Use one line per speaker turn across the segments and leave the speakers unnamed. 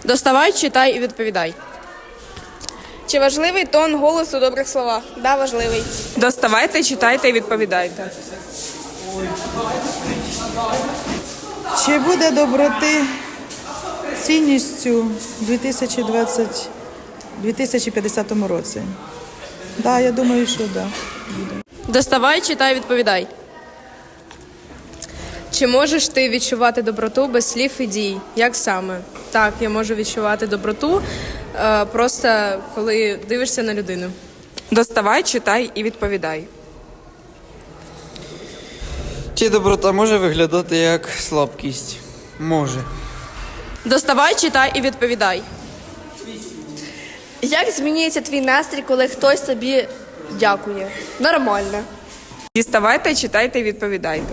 Доставай, читай і відповідай.
Чи важливий тон голосу у добрих словах? Да, важливий.
Доставайте, читайте і відповідайте.
Чи буде доброти цінністю у 2050 році? Да, я думаю, що да.
Доставай, читай, відповідай.
Чи можеш ти відчувати доброту без слів і дій? Як саме? Так, я можу відчувати доброту, просто коли дивишся на людину.
Доставай, читай і відповідай.
Чи доброта може виглядати як слабкість? Може.
Доставай, читай і відповідай.
Як змінюється твій настрій, коли хтось тобі дякує? Нормально.
Діставайте, читайте і відповідайте.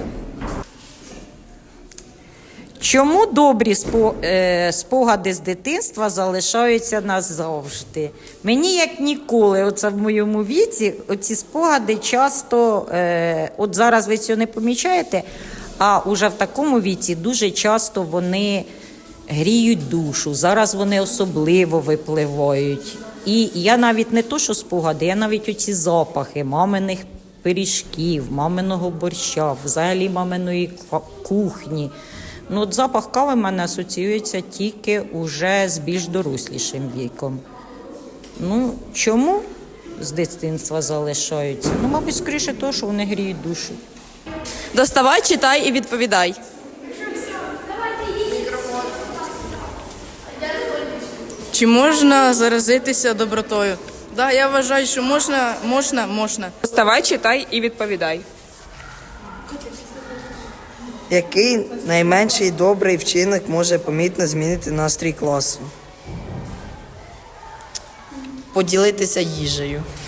Чому добрі спогади з дитинства залишаються назавжди? Мені, як ніколи, оце в моєму віці, оці спогади часто, от зараз ви цього не помічаєте, а уже в такому віці дуже часто вони гріють душу, зараз вони особливо випливають. І я навіть не то, що спогади, я навіть оці запахи маминих пиріжків, маминого борща, взагалі маминої кухні. Ну, от запах кави в мене асоціюється тільки уже з більш дорослішим віком. Ну, чому з дитинства залишаються? Ну, мабуть, скоріше того, що вони гріють душу.
Доставай, читай і відповідай.
Чи можна заразитися добротою? Да, я вважаю, що можна.
Доставай, читай і відповідай.
Який найменший добрий вчинок може помітно змінити настрій класу?
Поділитися їжею.